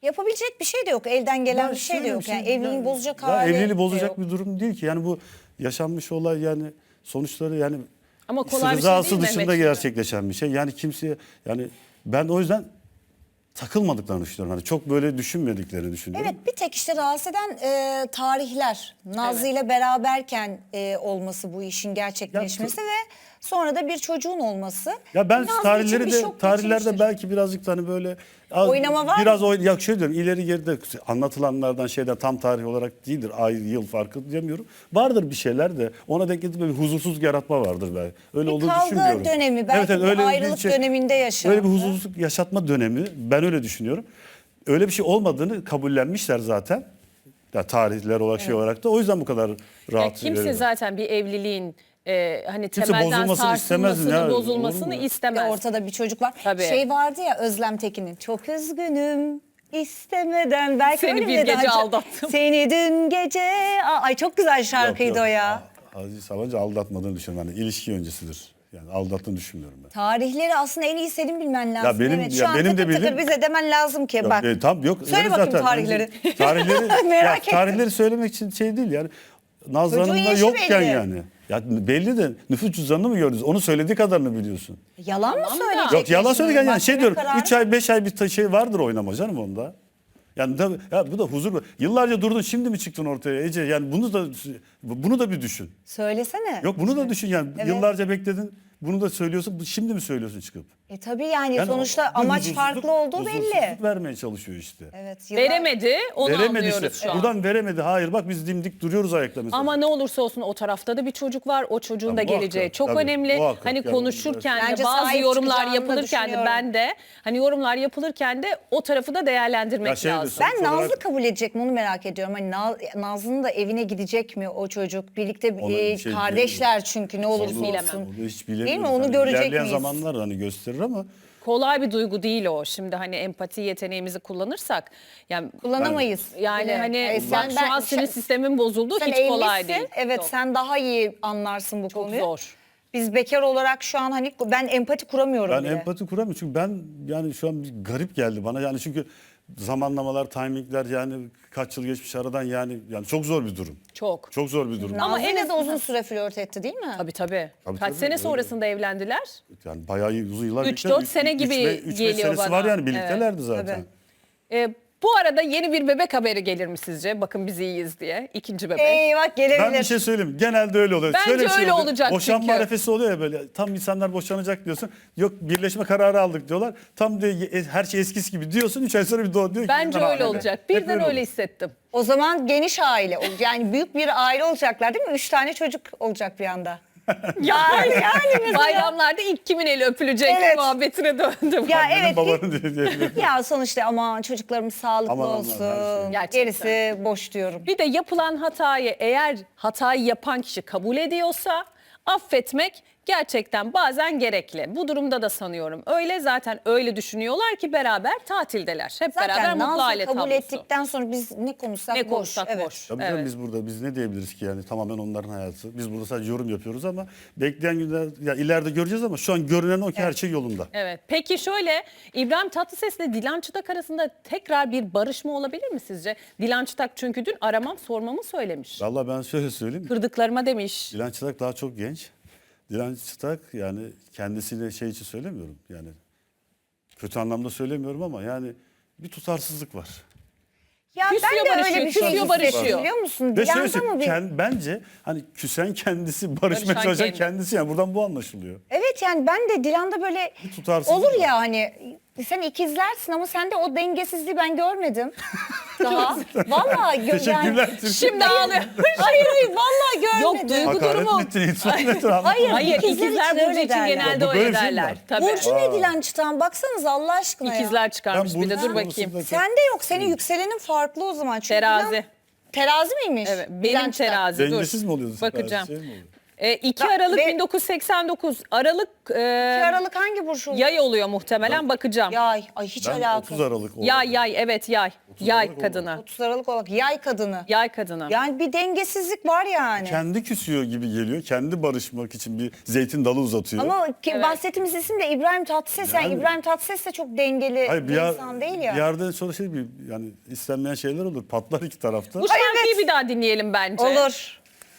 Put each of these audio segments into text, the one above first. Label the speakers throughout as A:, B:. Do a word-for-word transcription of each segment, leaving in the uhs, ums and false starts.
A: Yapabilecek bir şey de yok. Elden gelen
B: Ya
A: bir şey de
B: şöyle
A: yok.
B: bir şey,
A: Yani evliliği
B: ya-
A: bozacak
B: ya
A: hali
B: evliliği
A: de
B: bozacak
A: yok.
B: bir durum değil ki. Yani bu yaşanmış olay, yani sonuçları yani
C: Ama kolay bir şey
B: rızası
C: değil
B: dışında
C: Mehmet şimdi.
B: gerçekleşen bir şey. Yani kimseye, yani ben o yüzden takılmadıklarını düşünüyorum. Hani çok böyle düşünmediklerini düşünüyorum.
A: Evet, bir tek işte rahatsız eden e, tarihler. Nazlı ile beraberken e, olması bu işin gerçekleşmesi ve sonra da bir çocuğun olması.
B: Ya ben
A: Nazlı için
B: tarihleri
A: bir
B: de
A: şok
B: tarihlerde
A: geçirmiştir.
B: belki birazcık da hani böyle az-
A: Oynama var
B: biraz
A: mı?
B: oyn ya şöyle diyorum, ileri geride anlatılanlardan şeyden tam tarih olarak değildir. Ay yıl farkı diyemiyorum. Vardır bir şeyler de ona denk getirip bir huzursuzluk yaratma vardır belki. Öyle
A: Bir
B: olduğunu
A: kavga
B: düşünmüyorum.
A: dönemi, belki bir ayrılık döneminde yaşandı.
B: Öyle bir huzursuzluk yaşatma dönemi, ben öyle düşünüyorum. Öyle bir şey olmadığını kabullenmişler zaten. Ya tarihler olarak şey olarak da o yüzden bu kadar
C: Ya
B: rahat.
C: kimse
B: veriyorlar.
C: zaten bir evliliğin e, hani
B: Kimse
C: temelden
B: bozulmasını istemez
C: sarsılmasını,
B: ya, olur mu
C: bozulmasını
B: ya?
C: istemez.
A: Ve ortada bir çocuk var.
C: Tabii.
A: Şey vardı ya Özlem Tekin'in. Çok üzgünüm istemeden. Belki
C: Seni
A: öyle
C: bir
A: dedi.
C: gece
A: Hani-
C: aldattım.
A: Seni dün gece. Aa, ay çok güzel şarkıydı
B: Yok, yok.
A: o ya.
B: Aziz Sabancı aldatmadığını düşünüyorum. Yani ilişki öncesidir. Yani aldattığını düşünmüyorum ben.
A: Tarihleri aslında en iyi senin bilmen lazım.
B: Ya benim-
A: evet, şu
B: ya
A: an
B: benim de
A: tıkır tıkır
B: bildiğim-
A: bize demen lazım ki.
B: Yok,
A: Bak.
B: e, tam yok.
A: Söyle
B: öyle
A: bakayım
B: zaten.
A: tarihleri.
B: Bence Tarihleri,
A: Merak
B: ya,
A: ettim.
B: tarihleri söylemek için şey değil yani. Nazlı
A: Çocuğun
B: Hanım'la
A: yaşı
B: yokken
A: belli.
B: yani. Ya belli de nüfus cüzdanını mı gördünüz? Onun söylediği kadarını biliyorsun.
A: Yalan mı
C: Tamam da-
A: söyleyecek?
B: Yok yalan
A: şimdi?
B: söyledi yani
A: Mahkeme
B: şey diyorum.
A: kararı-
B: üç ay beş ay bir ta- şey vardır oynama canım onda. Yani tabii, ya bu da huzur. Yıllarca durdun, şimdi mi çıktın ortaya Ece? Yani bunu da bunu da bir düşün.
A: Söylesene.
B: Yok bunu da düşün yani.
A: Evet.
B: Yıllarca bekledin. Bunu da söylüyorsun. bu- Şimdi mi söylüyorsun çıkıp?
A: E tabii yani,
B: Yani
A: sonuçta
B: o- bir
A: amaç
B: huzursuzluk-
A: farklı olduğu belli.
B: huzursuzluk vermeye çalışıyor işte.
A: Evet. yıllar-
C: Veremedi, onu
B: Veremedi işte.
C: anlıyoruz şu an.
B: Buradan veremedi. Hayır bak biz dimdik duruyoruz ayakta mesela.
C: Ama ne olursa olsun o tarafta da bir çocuk var. O çocuğun
B: Ya
C: da
B: muhakkak,
C: geleceği çok
B: tabii,
C: önemli.
B: muhakkak.
C: Hani
B: Yani
C: konuşurken
A: Bence
C: de bazı
A: sahip
C: yorumlar
A: çıkacağını da
C: yapılırken de
A: düşünüyorum.
C: ben de hani yorumlar yapılırken de o tarafı da değerlendirmek
B: Ya şey de
C: lazım.
B: son-
A: Ben
B: Sonuç olarak-
A: Nazlı kabul edecek mi onu merak ediyorum. Hani Naz- Nazlı'nın da evine gidecek mi o çocuk? Birlikte
B: Ona
A: e,
B: bir şey
A: kardeşler çünkü ne olursa
B: Onu-
A: olsun.
B: onu hiç bilemiyoruz.
A: Değil mi? Onu
B: Hani
A: görecek
B: ilerleyen
A: miyiz?
B: zamanlar hani gösterir ama
C: Kolay bir duygu değil o. Şimdi hani empati yeteneğimizi kullanırsak yani
A: Kullanamayız.
C: yani
A: bile.
C: hani
A: E,
C: bak şu an sinir sistemin bozuldu,
A: sen
C: hiç kolay
A: evlisin.
C: değil.
A: Evet,
C: Yok,
A: sen daha iyi anlarsın bu
C: çok
A: konuyu.
C: zor.
A: Biz bekar olarak şu an hani ben empati kuramıyorum
B: ben
A: bile.
B: empati kuramıyorum. Çünkü ben yani şu an bir garip geldi bana. Yani çünkü zamanlamalar, timingler yani kaç yıl geçmiş aradan yani yani çok zor bir durum.
C: Çok.
B: Çok zor bir durum.
C: Ama
A: Nazlı
C: en
A: de
C: azından-
A: uzun süre flört etti değil mi?
C: Tabii tabii.
B: Tabii,
C: Kaç
B: tabii,
C: sene
B: öyle.
C: sonrasında evlendiler?
B: Yani bayağı iyi, uzun yıllar
C: Üç,
B: birlikte.
C: dört
B: Üç-
C: sene
B: üç
C: gibi
B: ve- üç, beş
C: geliyor
B: senesi
C: bana.
B: var yani birliktelerdi zaten.
A: Tabii.
C: Ee, bu arada yeni bir bebek haberi gelir mi sizce? Bakın biz iyiyiz diye. İkinci bebek.
A: Eyvah, gelebilir.
B: Ben bir şey söyleyeyim. Genelde öyle oluyor.
C: Bence
B: Şöyle bir şey
C: öyle
B: oluyor.
C: olacak
B: Boşanma
C: çünkü.
B: arefesi oluyor ya böyle. Tam insanlar boşanacak diyorsun. Yok birleşme kararı aldık diyorlar. Tam de her şey eskisi gibi diyorsun. Üç ay sonra bir doğu diyor ki.
C: Bence
B: "Ben
C: öyle
B: hamile."
C: olacak.
B: Hep
C: Birden öyle
B: olur.
C: hissettim.
A: O zaman geniş aile, yani büyük bir aile olacaklar değil mi? Üç tane çocuk olacak bir anda.
C: Ya
A: yani mesela.
C: bayramlarda ilk kimin eli öpülecek
A: Evet.
C: muhabbetine döndüm.
A: Ya
B: Annenin
A: evet.
B: babanın diye diyebilirim.
A: Ya sonuçta aman çocuklarımız sağlıklı
B: Aman aman,
A: olsun.
B: her şey.
C: Gerçekten.
A: Gerisi boş diyorum.
C: Bir de yapılan hatayı eğer hatayı yapan kişi kabul ediyorsa affetmek gerçekten bazen gerekli. Bu durumda da sanıyorum öyle, zaten öyle düşünüyorlar ki beraber tatildeler. Hep beraber
A: Zaten
C: mutlu
A: Nazlı
C: aile
A: kabul
C: tablosu.
A: ettikten sonra biz ne konuşsak
C: Ne
A: boş.
C: konuşsak
A: Evet.
C: boş.
B: Tabii canım,
C: Evet.
B: biz burada biz ne diyebiliriz ki yani tamamen onların hayatı. Biz burada sadece yorum yapıyoruz ama bekleyen günler ya ileride göreceğiz ama şu an görünen o ki her şey yolunda.
C: Evet. Peki şöyle, İbrahim Tatlıses ile Dilan Çıtak arasında tekrar bir barışma olabilir mi sizce? Dilan Çıtak çünkü dün aramam sormamı söylemiş.
B: Vallahi ben şöyle söyleyeyim.
C: Kırdıklarıma demiş.
B: Dilan Çıtak daha çok genç. Dilan Çıtak yani kendisiyle şey için söylemiyorum yani kötü anlamda söylemiyorum ama yani bir tutarsızlık var.
A: Ya
C: Küsüyor,
A: ben de
C: barışıyor,
A: öyle bir şey
C: küsüyor,
A: hissettim,
C: barışıyor.
A: biliyor musun?
B: Ve şöyle
A: Dilan'da mı
B: söyleyeyim,
A: bir...
B: kend- bence hani küsen kendisi barışmaya
C: Barışan
B: çalışan
C: kendi.
B: kendisi yani buradan bu anlaşılıyor.
A: Evet yani ben de Dilan'da böyle
B: Bir tutarsızlık
A: olur
B: var.
A: ya hani sen ikizlersin ama sende o dengesizliği ben görmedim. Daha. Vallahi gö-
B: Teşekkürler.
A: yani-
B: Türkiye.
C: Şimdi ağlıyor.
A: Hayır hayır vallahi
C: Yok,
A: görmedim.
C: duygu
B: Hakaret
C: durumu.
B: mi ettin? İtiraf mı ettin?
A: Hayır.
C: Hayır,
A: İkizler
C: ikizler
A: için
C: Burcu
A: öyle
C: için
A: derler.
C: genelde
B: Ya bu böyle
C: öyle
B: bir şey mi
C: derler.
B: var?
C: Tabii.
A: Burcu ne Dilan Çıtak'ın? Baksanıza Allah aşkına ya.
C: İkizler çıkarmış
B: Ben
C: bir de,
B: Burcu
C: dur bakayım.
B: konusunda-
A: Sende yok. Senin yükselenin farklı o zaman. Çünkü
C: Terazi.
A: Dilan- Terazi miymiş?
C: Evet,
A: Dilan
C: benim
A: Çıtak.
C: terazi. Dur.
B: Dengesiz mi oluyordu?
C: Bakacağım.
B: Şey mi oluyor?
C: E, iki
A: Da-
C: Aralık
A: ve-
C: bin dokuz yüz seksen dokuz Aralık e,
A: iki Aralık hangi burç oldu?
C: yay oluyor muhtemelen, bakacağım.
A: Yay. Ay hiç
B: Ben
A: alakası.
B: otuz Aralık oldu.
C: Yay yay evet yay. Yay
B: Aralık
C: kadını.
A: otuz Aralık olarak yay kadını.
C: Yay kadını.
A: Yani bir dengesizlik var yani.
B: Kendi küsüyor gibi geliyor. Kendi barışmak için bir zeytin dalı uzatıyor.
A: Ama ki
C: Evet.
A: bahsettiğimiz isim de İbrahim Tatlıses. Yani,
B: Yani-
A: İbrahim Tatlıses de çok dengeli
B: Hayır, bir,
A: bir
B: yer,
A: insan değil ya.
B: bir yerde sonra şey bir yani istenmeyen şeyler olur. Patlar iki tarafta.
C: Bu şarkıyı
A: evet.
C: bir daha dinleyelim bence.
A: Olur.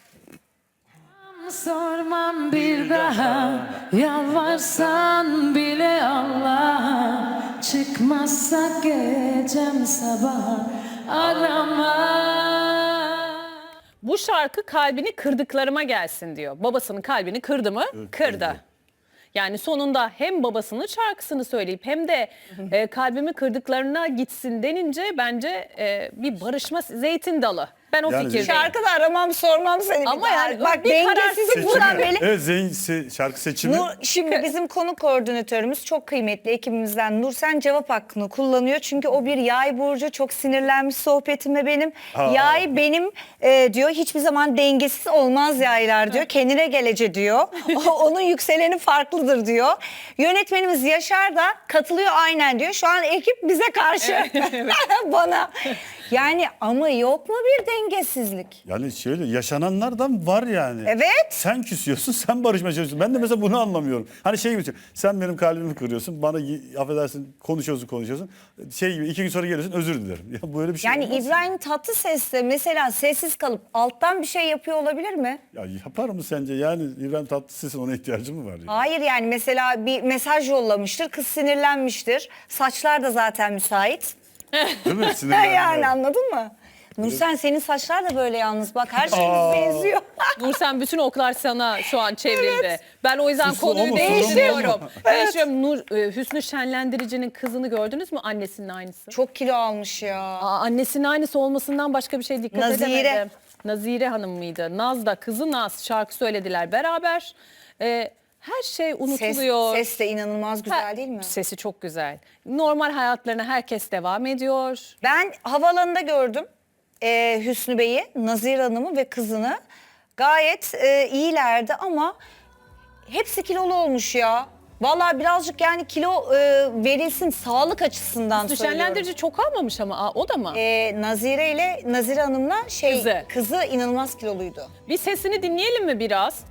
D: Sormam bir daha, yalvarsan bile Allah'a, çıkmazsa gecem sabah arama.
C: Bu şarkı kalbini kırdıklarıma gelsin diyor. Babasının kalbini kırdı mı? Kırdı. Yani sonunda hem babasının şarkısını söyleyip hem de e, kalbimi kırdıklarına gitsin denince bence e, bir barışma zeytin dalı. Ben o
B: Yani
C: fikirdeyim.
A: Şarkıda aramam sormam seni.
C: Ama
A: bir daha.
C: yani
A: Bak
C: bir
A: dengesizlik
C: karar
A: buradan
B: Seçimi.
A: belli.
B: Evet, zeyn, se- şarkı seçimi.
A: Nur, şimdi bizim konu koordinatörümüz çok kıymetli ekibimizden Nursen cevap hakkını kullanıyor. Çünkü o bir yay burcu, çok sinirlenmiş sohbetime benim.
B: Aa.
A: Yay benim e, diyor hiçbir zaman dengesiz olmaz yaylar diyor. Kendine gelece diyor. O- Onun yükseleni farklıdır diyor. Yönetmenimiz Yaşar da katılıyor aynen diyor. Şu an ekip bize karşı. Bana. Yani ama yok mu bir dengesizlik?
B: Yani şöyle yaşananlardan var yani.
A: Evet.
B: Sen küsüyorsun, sen barışmaya çalışıyorsun. Ben de mesela bunu anlamıyorum. Hani şey gibi, sen benim kalbimi kırıyorsun, bana y- affedersin konuşuyorsun konuşuyorsun. Şey gibi iki gün sonra geliyorsun özür dilerim. Ya böyle bir şey
A: Yani
B: olmaz.
A: İbrahim Tatlıses de mesela sessiz kalıp alttan bir şey yapıyor olabilir mi?
B: Ya yapar mı sence? Yani İbrahim Tatlıses'in ona ihtiyacı mı var? Ya?
A: Hayır yani mesela bir mesaj yollamıştır, kız sinirlenmiştir. Saçlar da zaten müsait.
B: Değil mi? Sinirlenme.
A: Yani anladın mı? Nursen senin saçlar da böyle yalnız bak her şeyimiz benziyor.
C: Nursen bütün oklar sana şu an çevrildi. Ben o yüzden
B: Suçlu o
C: konuyu
B: mu, sorun mu
C: değiştiriyorum.
B: o?
C: Değiştiriyorum. Nur, e, Hüsnü Şenlendirici'nin kızını gördünüz mü? Annesinin aynısı.
A: Çok kilo almış ya.
C: Aa, annesinin aynısı olmasından başka bir şey dikkat
A: Nazire.
C: edemedim. Nazire Hanım mıydı? Naz da kızı Naz şarkı söylediler beraber. Ee, her şey
A: Ses,
C: unutuluyor.
A: ses de inanılmaz güzel
C: Ha,
A: değil mi?
C: Sesi çok güzel. Normal hayatlarına herkes devam ediyor.
A: Ben havaalanında gördüm e, Hüsnü Bey'i, Nazire Hanım'ı ve kızını. Gayet e, iyilerdi ama hepsi kilolu olmuş ya. Vallahi birazcık yani kilo e, verilsin sağlık açısından
C: Hüsnü
A: söylüyorum.
C: Şenlendirici çok almamış ama aa, o da mı?
A: E, Nazire ile Nazire Hanım'la şey
C: Kızı.
A: kızı inanılmaz kiloluydu.
C: Bir sesini dinleyelim mi biraz?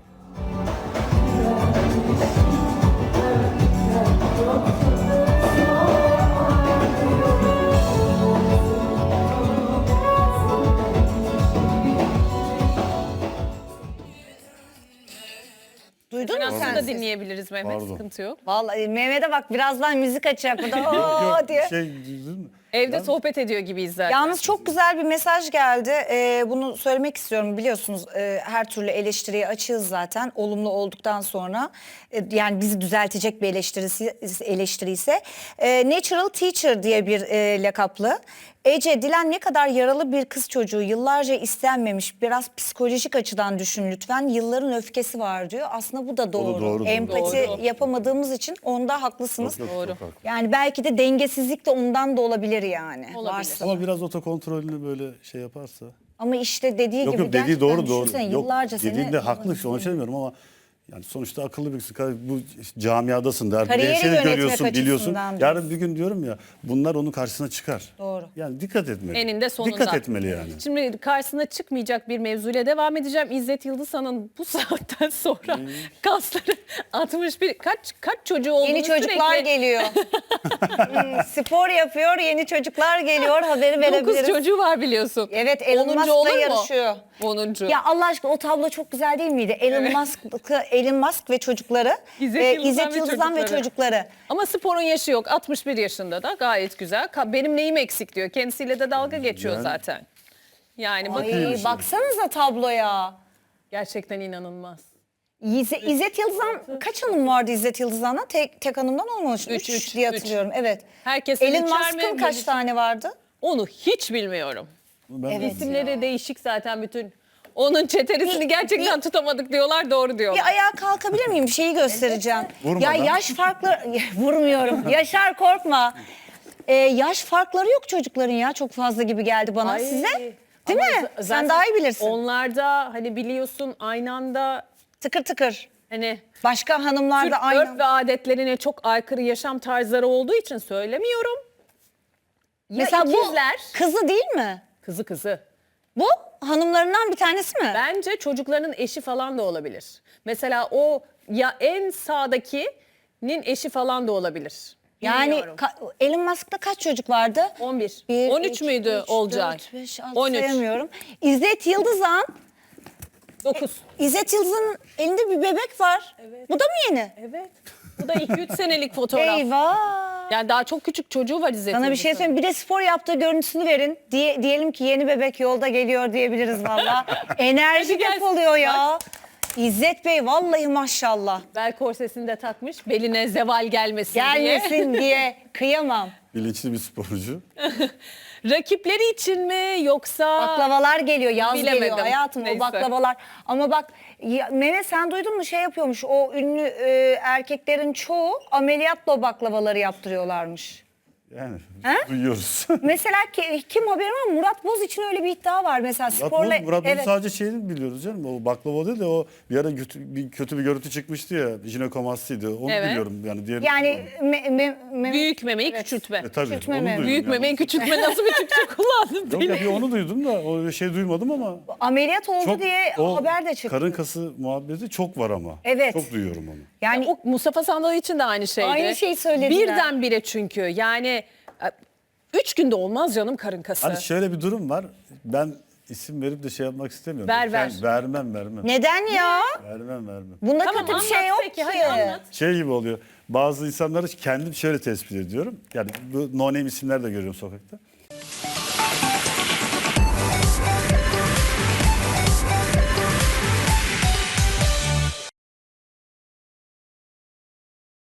A: Duydun mu sen?
C: Aslında
A: sesi?
C: dinleyebiliriz Mehmet,
B: Pardon.
C: sıkıntı yok.
A: Vallahi Mehmet'e bak birazdan müzik açacak burada
B: Yok,
A: "Oo"
B: yok,
A: diye.
B: şey duydun mu?
C: Evde sohbet ediyor gibiyiz zaten.
A: Yalnız çok güzel bir mesaj geldi. Ee, bunu söylemek istiyorum. Biliyorsunuz e, her türlü eleştiriye açığız zaten. Olumlu olduktan sonra e, yani bizi düzeltecek bir eleştirisi, eleştiri ise e, Natural Teacher diye bir e, lakaplı. Ece, Dilan ne kadar yaralı bir kız çocuğu, yıllarca istenmemiş, biraz psikolojik açıdan düşün lütfen. Yılların öfkesi var diyor. Aslında bu da doğru.
B: doğru, doğru.
A: Empati
C: Doğru.
A: yapamadığımız için onda haklısınız.
B: Yok, yok,
C: Doğru.
B: çok haklı.
A: Yani belki de dengesizlik de ondan da olabilir yani.
C: Olabilir.
A: Varsa.
B: Ama biraz otokontrolünü böyle şey yaparsa.
A: Ama işte dediği
B: Yok
A: gibi
B: yok dediği
A: gerçekten
B: doğru doğru.
A: düşünsene,
B: Yok,
A: yıllarca seni...
B: dediğinde haklı işte onu söylemiyorum ama yani sonuçta akıllı bir kız. Bu camiadasın der.
A: Kariyeri
B: Seni
A: yönetmek
B: görüyorsun, biliyorsun.
A: açısından
B: Yarın bir gün diyorum ya bunlar onun karşısına çıkar.
A: Doğru.
B: Yani dikkat etmeli.
C: Eninde sonunda.
B: Dikkat etmeli yani.
C: Şimdi karşısına çıkmayacak bir mevzuyla devam edeceğim. İzzet Yıldızhan'ın bu saatten sonra
B: Hmm.
C: kasları altmış bir kaç kaç çocuğu olduğunu
A: Yeni çocuklar
C: sürekli
A: geliyor. Hmm, spor yapıyor, yeni çocuklar geliyor, haberi
C: dokuz
A: verebiliriz.
C: çocuğu var biliyorsun.
A: Evet, Elon
C: onuncu
A: Musk'la
C: olur mu?
A: yarışıyor.
C: onuncu.
A: Ya Allah aşkına o tablo çok güzel değil miydi? Elon Musk, Elon Musk ve çocukları,
C: İzzet
A: e,
C: Yıldızhan
A: İzzet
C: ve
A: Yıldızhan ve
C: çocukları.
A: çocukları.
C: Ama sporun yaşı yok. altmış bir yaşında da gayet güzel. Ka- Benim neyim eksik diyor. Kendisiyle de dalga geçiyor
B: Yani-
C: zaten. Yani bak
A: Ay, baksanıza tabloya.
C: gerçekten inanılmaz.
A: İzzet, İzzet Yıldızhan, kaç hanım vardı İzzet Yıldızhan'da? Tek, tek hanımdan olmamış.
C: Üç,
A: Üç,
C: üç,
A: diye
C: üç.
A: hatırlıyorum. Evet.
C: Herkesin
A: Elon
C: üçer
A: Musk'ın
C: mi?
A: kaç
C: Melisa-
A: tane vardı?
C: Onu hiç bilmiyorum.
B: Ben
A: Evet.
C: İsimleri değişik zaten bütün. Onun çeteresini
A: Bir-
C: gerçekten
A: bir-
C: tutamadık diyorlar, doğru
A: Bir
C: diyorlar.
A: ayağa kalkabilir miyim? Bir şeyi göstereceğim.
B: Vurmadan.
A: Ya yaş farkları... Vurmuyorum. Yaşar korkma. Ee, yaş farkları yok çocukların ya. Çok fazla gibi geldi bana.
C: Ay,
A: Size? Değil
C: ama
A: mi?
C: z-
A: Sen
C: zaten
A: daha iyi bilirsin.
C: Onlarda hani biliyorsun aynı anda
A: Tıkır tıkır.
C: hani
A: Başka hanımlar
C: Türk
A: da aynı.
C: örf ve adetlerine çok aykırı yaşam tarzları olduğu için söylemiyorum.
A: Mesela
C: ikizler,
A: bu kızı değil mi?
C: kızı kızı.
A: Bu hanımlarından bir tanesi mi?
C: Bence çocukların eşi falan da olabilir. Mesela o ya en sağdakinin eşi falan da olabilir.
A: Yani
C: Bilmiyorum.
A: ka- Elon Musk'ta kaç çocuk vardı?
C: on bir.
A: Bir,
C: on üç
A: iki,
C: müydü
A: üç,
C: Olcay?
A: dört, beş, altı
C: on üç.
A: sayamıyorum. İzzet Yıldızan,
C: dokuz.
A: İzzet Yıldız'ın elinde bir bebek var. Bu da mı yeni?
C: Evet. Bu da iki üç senelik fotoğraf.
A: Eyvah.
C: Yani daha çok küçük çocuğu var İzzet
A: Sana bir şey
C: Yıldız'ın.
A: söyleyeyim. Bir de spor yaptığı görüntüsünü verin. Diye, diyelim ki yeni bebek yolda geliyor diyebiliriz valla. Enerji
C: Hadi gelsin.
A: depoluyor ya. İzzet Bey vallahi maşallah.
C: Bel korsesini de takmış. Beline zeval gelmesin, diye.
A: Gelmesin diye kıyamam.
B: Bilinçli bir sporcu.
C: Rakipleri için mi yoksa...
A: Baklavalar geliyor, yaz
C: Bilemedim.
A: geliyor hayatım
C: Neyse.
A: o baklavalar. Ama bak ya, Mene sen duydun mu şey yapıyormuş o ünlü e, erkeklerin çoğu ameliyatla o baklavaları yaptırıyorlarmış.
B: Yani
A: He?
B: duyuyoruz.
A: Mesela ki, kim haberi var? Murat Boz için öyle bir iddia var mesela
B: Murat
A: sporla.
B: Boz, Murat Boz'un
A: evet.
B: sadece şeyini biliyoruz canım. O baklava değil de o bir ara kötü bir, kötü bir görüntü çıkmıştı ya. Jinekomastiydi. Onu
C: Evet.
B: biliyorum yani. Diğer
A: Yani me, me, me-
C: Büyük memeyi küçültme.
B: E, tabii,
A: küçültme
B: onu
A: mi?
B: duydum
C: Büyük
B: yani.
C: memeyi küçültme nasıl bir Türkçe kullandın?
B: Yok ya bir onu duydum da o şey duymadım ama
A: ameliyat oldu
B: çok
A: diye
B: o
A: haber de çıktı.
B: karın kası muhabbeti çok var ama.
A: Evet.
B: Çok duyuyorum onu.
A: Yani
C: O Mustafa Sandal için de aynı şeydi.
A: Aynı şeyi söylediler.
C: Birdenbire çünkü yani e, üç günde olmaz canım karın kası.
B: Hani şöyle bir durum var. Ben isim verip de şey yapmak istemiyorum.
C: Ver, ver.
B: Ben vermem vermem.
A: neden ya?
B: Vermem vermem.
A: Bunda
C: Tamam,
A: kötü bir şey
C: anlat
A: yok
C: peki,
A: ki.
C: hadi anlat.
B: Şey gibi oluyor. Bazı insanları kendim şöyle tespit ediyorum. Yani bu no name isimler de görüyorum sokakta.